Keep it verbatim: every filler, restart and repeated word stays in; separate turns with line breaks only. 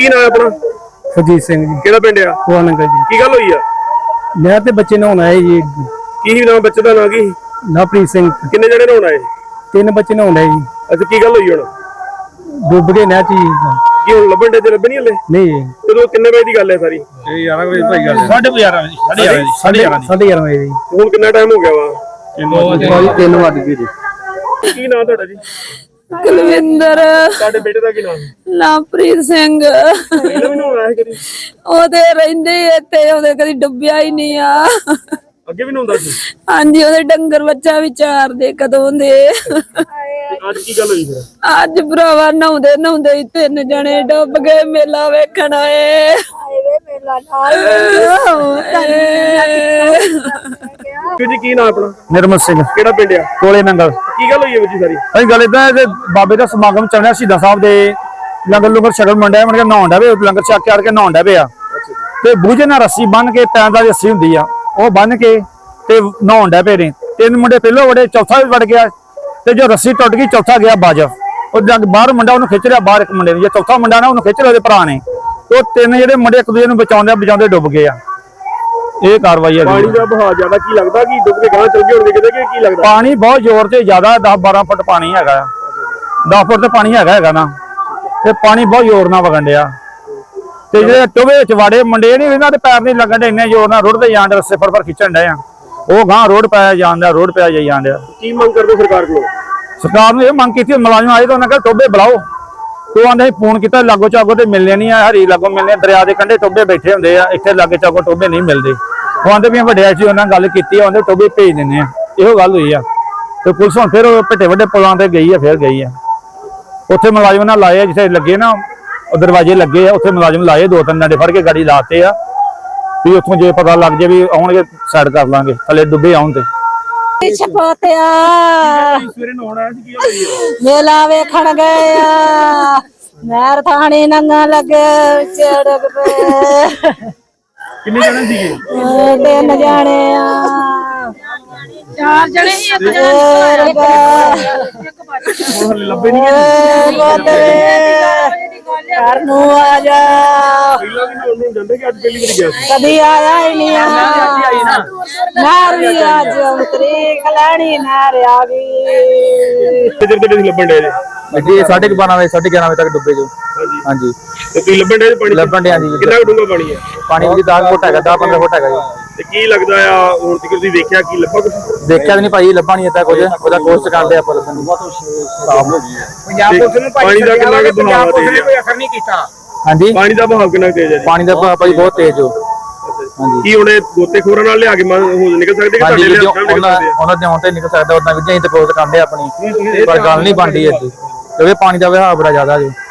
ਕੀ ਨਾਮ ਹੈ ਆਪਣਾ?
ਸੁਰਜੀਤ ਸਿੰਘ ਜੀ।
ਕਿਹੜਾ ਪਿੰਡ ਆ?
ਭਵਾਨਗਰ ਜੀ।
ਕੀ ਗੱਲ ਹੋਈ ਆ?
ਮੈਂ ਤੇ ਬੱਚੇ ਨਹਾਉਣ ਆਏ ਜੀ।
ਕੀ ਨਾਮ ਬੱਚੇ ਦਾ ਨਾਂ ਕੀ?
ਨਵਪ੍ਰੀਤ ਸਿੰਘ।
ਕਿੰਨੇ ਜਣੇ ਨਹਾਉਣ ਆਏ?
ਤਿੰਨ ਬੱਚੇ ਨਹਾਉਣ ਆਏ ਜੀ।
ਅੱਛਾ ਕੀ ਗੱਲ ਹੋਈ ਹੁਣ?
ਡੁੱਬ ਗਏ ਨਹਿਰ ਚ ਜੀ।
ਕੀ ਹੁਣ ਲੱਭਣ ਦੇ ਤੇ ਲੱਭੇ ਨਹੀਂ ਹਲੇ?
ਨਹੀਂ ਜੀ।
ਕਦੋਂ ਕਿੰਨੇ ਵਜੇ ਦੀ ਗੱਲ ਹੈ ਸਾਰੀ?
ਇਹ ਗਿਆਰਾਂ ਵਜੇ ਭਾਈ ਗੱਲ।
ਸਾਢੇ ਗਿਆਰਾਂ ਵਜੇ ਸਾਢੇ ਗਿਆਰਾਂ ਵਜੇ
ਸਾਢੇ ਗਿਆਰਾਂ ਵਜੇ ਜੀ।
ਹੁਣ ਕਿੰਨਾ ਟਾਈਮ ਹੋ ਗਿਆ ਵਾ?
ਤਿੰਨ ਵੱਜ ਗਏ ਜੀ।
ਕੀ ਨਾਮ ਤੁਹਾਡਾ ਜੀ?
ਕੁਲਵਿੰਦਰ।
ਤੁਹਾਡੇ ਬੇਟੇ ਦਾ ਕੀ ਨਾਮ ਹੈ?
ਨਵਪ੍ਰੀਤ ਸਿੰਘ।
ਪਹਿਲਾਂ ਵੀ ਨਹਾਉਣ ਆਇਆ ਸੀ ਕਦੀ?
ਉਹਦੇ ਰਹਿੰਦੇ ਇੱਥੇ, ਉਹਦੇ ਕਦੀ ਡੁੱਬਿਆ ਹੀ ਨਹੀਂ ਆ।
ਅੱਗੇ ਵੀ ਨਹਾਉਂਦਾ ਸੀ?
ਹਾਂਜੀ, ਉਹਦੇ ਡੰਗਰ ਬੱਚਾ ਵਿਚਾਰਦੇ ਕਦੋਂ ਦੇ।
ਅੱਜ ਕੀ ਗੱਲ ਹੋਈ ਫਿਰ?
ਅੱਜ ਭਰਾਵਾ ਨਹਾਉਂਦੇ ਨਹਾਉਂਦੇ ਹੀ ਤਿੰਨ ਜਣੇ ਡੁੱਬ ਗਏ। ਮੇਲਾ ਵੇਖਣ ਆਏ।
ਜੀ ਕੀ ਨਾਮ ਆਪਣਾ?
ਨਿਰਮਲ ਸਿੰਘ।
ਕਿਹੜਾ ਪਿੰਡ ਆ?
ਕੋਲੇ ਨੰਗਲ।
ਕੀ ਗੱਲ ਹੋਈ ਹੈ ਬੱਚੀ ਸਾਰੀ?
ਅਸੀਂ ਗੱਲ ਇਦਾਂ ਕਿ ਬਾਬੇ ਦਾ ਸਮਾਗਮ ਚੱਲ ਰਿਹਾ ਸ਼ਹੀਦਾਂ ਸਾਹਿਬ ਦੇ। ਲੰਗਰ ਲੰਗਰ ਛਕਣ ਮੰਡਿਆ ਮਣ ਕੇ ਨਹਾਉਣ ਡੇ ਲੰਗਰ ਛਕ ਕੇ ਆ ਕੇ ਨਹਾਉਣ ਡੇ ਆ ਤੇ ਬੂਝੇ ਨਾਲ ਰੱਸੀ ਬੰਨ ਕੇ ਪੈਰਾਂ ਦੀ ਰੱਸੀ ਹੁੰਦੀ ਆ ਉਹ ਬੰਨ ਕੇ ਤੇ ਨਹਾਉਣ ਡੇ ਪਏ ਨੇ। ਤਿੰਨ ਮੁੰਡੇ ਪਹਿਲੋਂ ਵੜੇ, ਚੌਥਾ ਵੀ ਵੜ ਗਿਆ ਤੇ ਜੋ ਰੱਸੀ ਟੁੱਟ ਗਈ ਚੌਥਾ ਗਿਆ ਬਾਜ। ਉਹ ਜਦ ਬਾਹਰ ਮੁੰਡਾ ਉਹਨੂੰ ਖਿੱਚ ਲਿਆ ਬਾਹਰ, ਇੱਕ ਮੁੰਡੇ ਨੂੰ। ਜੇ ਚੌਥਾ ਮੁੰਡਾ ਨਾ ਉਹਨੂੰ ਖਿੱਚ ਲਿਆ ਉਹਦੇ ਭਰਾ ਨੇ। ਉਹ ਤਿੰਨ ਜਿਹੜੇ ਮੁੰਡੇ ਇੱਕ ਦੂਜੇ ਨੂੰ ਬਚਾਉਂਦੇ ਬਚਾਉਂਦੇ ਡੁੱਬ ਗਏ ਆ। ਇਹ ਕਾਰਵਾਈ ਹੈ।
ਪਾਣੀ ਦਾ ਬਹਾਅ ਜ਼ਿਆਦਾ ਕੀ ਲੱਗਦਾ ਕਿ ਡੁੱਬ ਕੇ ਗਾਂ ਚਲ ਗਏ ਹੋਣਗੇ ਕਿਤੇ ਕਿ ਕੀ ਲੱਗਦਾ?
ਪਾਣੀ ਬਹੁਤ ਜ਼ੋਰ ਤੇ ਜ਼ਿਆਦਾ ਦਸ ਬਾਰਾਂ ਫੁੱਟ ਪਾਣੀ ਹੈਗਾ। ਦਸ ਫੁੱਟ ਤੇ ਪਾਣੀ ਹੈਗਾ ਹੈਗਾ ਨਾ ਤੇ ਪਾਣੀ ਬਹੁਤ ਜ਼ੋਰ ਨਾਲ ਵਗਣ ਡਿਆ ਤੇ ਜਿਹੜੇ ਟੋਵੇ ਵਿੱਚ ਵਾੜੇ ਮੁੰਡੇ ਨਹੀਂ ਇਹਨਾਂ ਦੇ ਪੈਰ ਨਹੀਂ ਲੱਗਣ ਡੇ, ਇੰਨੇ ਜ਼ੋਰ ਨਾਲ ਰੁੜਦੇ ਜਾਣ ਡੇ, ਰੱਸੇ ਫੜ ਫੜ ਖਿੱਚਣ ਡੇ ਆ। ਉਹ ਗਾਂ ਰੋਡ ਪਾਇਆ ਜਾਂਦਾ, ਰੋਡ ਪਿਆ ਜਾਈ ਜਾਣ ਡਿਆ।
ਕੀ ਮੰਗ ਕਰਦੇ ਸਰਕਾਰ ਕੋਲੋਂ?
ਸਰਕਾਰ ਨੂੰ ਇਹ ਮੰਗ ਕੀਤੀ, ਮੁਲਾਜ਼ਮ ਆਏ ਤਾਂ ਉਹਨਾਂ ਕਹਿੰਦੇ ਟੋਬੇ ਬੁਲਾਓ। ਉਹ ਆਂਦੇ ਫੋਨ ਕੀਤਾ ਲਾਗੋ ਚਾਗੋ ਤੇ ਮਿਲਨੇ ਨਹੀਂ ਆ, ਹਰੀ ਲਾਗੋ ਮਿਲਨੇ, ਦਰਿਆ ਦੇ ਕੰਢੇ ਟੋਬੇ ਬੈਠੇ ਹੁੰਦੇ ਆ, ਇੱਥੇ ਲਾਗੇ ਚਾਗੋ ਟੋਬੇ ਨਹੀਂ ਮਿਲਦੇ। ਉਹ ਆਂਦੇ ਵੀ ਵੱਡੇ ਸੀ, ਉਹਨਾਂ ਗੱਲ ਕੀਤੀ ਆ, ਆਂਦੇ ਟੋਬੇ ਭੇਜ ਦਿੰਦੇ ਆ। ਇਹੋ ਗੱਲ ਹੋਈ ਆ ਤੇ ਪੁਲਿਸ ਹੁਣ ਫਿਰ ਭੱਟੇ ਵੱਡੇ ਪੁਲਾਂ ਤੇ ਗਈ ਆ, ਫਿਰ ਗਈ ਆ। ਉੱਥੇ ਮੁਲਾਜ਼ਮ ਨਾਲ ਲਾਏ ਆ ਜਿੱਥੇ ਲੱਗੇ ਨਾ ਦਰਵਾਜ਼ੇ ਲੱਗੇ ਆ, ਉੱਥੇ ਮੁਲਾਜ਼ਮ ਲਾਏ, ਦੋ ਤਿੰਨ ਡੰਡੇ ਫੜ ਕੇ ਗਾੜੀ ਲਾਤੇ ਆ ਵੀ ਉੱਥੋਂ ਜੇ ਪਤਾ ਲੱਗ ਜੇ ਵੀ ਆਉਣਗੇ ਸਾਈਡ ਕਰ ਲਾਂਗੇ, ਥੱਲੇ ਡੁੱਬੇ ਆਉਣ ਤੇ।
ਛਪੋਤਿਆ
ਸਵੇਰੇ ਨਹਾਉਣ ਆਇਆ ਸੀ, ਕੀ ਹੋਈ ਹੈ?
ਮੇਲਾ ਵੇਖਣ ਗਏ ਆ। ਨਹਿਰ ਥਾਣੀ ਨੰਗਾ ਲੱਗੇ ਚੜਕ ਪਏ।
ਕਿੰਨੇ ਜਣੇ ਸੀਗੇ?
ਤਿੰਨ ਜਾਣੇ ਆ। ਚਾਰ ਜਣੇ ਹੀ ਇੱਕ
ਹੁਣ ਹਲੇ ਲੱਭੇ ਨਹੀਂ ਗਏ।
ਘਰ ਨੂੰ ਆ ਜਾ।
ਪਹਿਲਾਂ ਵੀ ਨਹਾਉਣ ਨੂੰ ਜਾਂਦੇ ਕਿ ਅੱਜ ਪਹਿਲੀ ਵਾਰੀ ਗਿਆ ਸੀ?
ਕਦੀ ਆਇਆ ਹੀ ਨਹੀਂ ਆ। ਨਹਿਰ ਵੀ ਅੱਜ ਉਤਰੀ ਖਲਾਣੀ ਨਹਿਰ ਆ ਗਈ।
ਕਿੱਧਰ ਕਿੱਧਰ ਸੀ ਲੱਭਣ ਡੇ ਜੇ?
ਜੀ ਸਾਢੇ ਬਾਰਾਂ ਵਜੇ ਸਾਢੇ ਗਿਆਰਾਂ ਵਜੇ ਤੱਕ ਡੁੱਬੇ ਜੋ।
ਹਾਂਜੀ
ਹਾਂਜੀ
ਤੇ ਤੁਸੀਂ ਲੱਭਣ ਡੇ ਪਾਣੀ?
ਲੱਭਣ ਡਿਆ ਜੀ।
ਕਿੰਨਾ ਡੂੰਘਾ ਪਾਣੀ ਹੈ?
ਪਾਣੀ ਵੀ ਦਸ ਫੁੱਟ ਹੈਗਾ, ਦਸ ਪੰਦਰਾਂ ਫੁੱਟ ਹੈਗਾ ਜੀ।
ਤੇ ਕੀ ਲੱਗਦਾ ਆ ਹੁਣ ਤੱਕ ਤੁਸੀਂ ਵੇਖਿਆ ਕੀ ਲੱਭਾ ਕੁਝ?
ਦੇਖਿਆ ਵੀ ਨਹੀਂ ਭਾਈ, ਲੱਭਾ ਨਹੀਂ ਏਦਾਂ ਕੁਝ। ਉਹਦਾ ਕੋਸ਼ਿਸ਼ ਕਰਦੇ ਆਪਾਂ ਲੱਭਣ ਦੀ।
ਪੰਜਾਬ ਪੁਲਿਸ ਨੂੰ
ਪਾਣੀ ਦਾ ਕਿੰਨਾ ਕੁ
ਪੰਜਾਬ
ਬਹਾਅ
ਪੁਲਿਸ ਨੇ
ਤੇਜ਼
ਕੋਈ
ਆ?
ਅਸਰ ਨਹੀਂ ਕੀਤਾ।
ਹਾਂਜੀ
ਪਾਣੀ ਦਾ ਬਹਾਅ ਕਿੰਨਾ ਤੇਜ਼ ਹੈ ਜੀ?
ਪਾਣੀ ਦਾ ਭਾਅ ਭਾਈ ਬਹੁਤ ਤੇਜ਼ ਹੋ। ਹਾਂਜੀ
ਕੀ ਉਹਨੇ ਗੋਤੇਖੋਰਾਂ ਨਾਲ ਲਿਆ ਕੇ ਮ- ਹੋ ਨਿਕਲ ਸਕਦੇ ਕਿ
ਹਾਂਜੀ
ਤੁਹਾਡੇ
ਵੀਡੀਓ
ਲਿਆ ਕੇ ਨਿਕਲ
ਉਹਨਾਂ
ਸਕਦੇ ਆ?
ਉਹਨਾਂ ਦੇ ਆਉਣ ਤੇ ਨਿਕਲ ਸਕਦਾ, ਉਹਨਾਂ ਵੀਡੀਓ ਹੀ ਤੇ ਕੋਸ਼ਿਸ਼ ਕਰਦੇ ਆਪਣੀ, ਪਰ ਗੱਲ ਨਹੀਂ ਬਣਦੀ ਇੱਥੇ ਕਿਉਂਕਿ ਪਾਣੀ ਦਾ ਵਹਾਅ ਬੜਾ ਜ਼ਿਆਦਾ ਜੀ।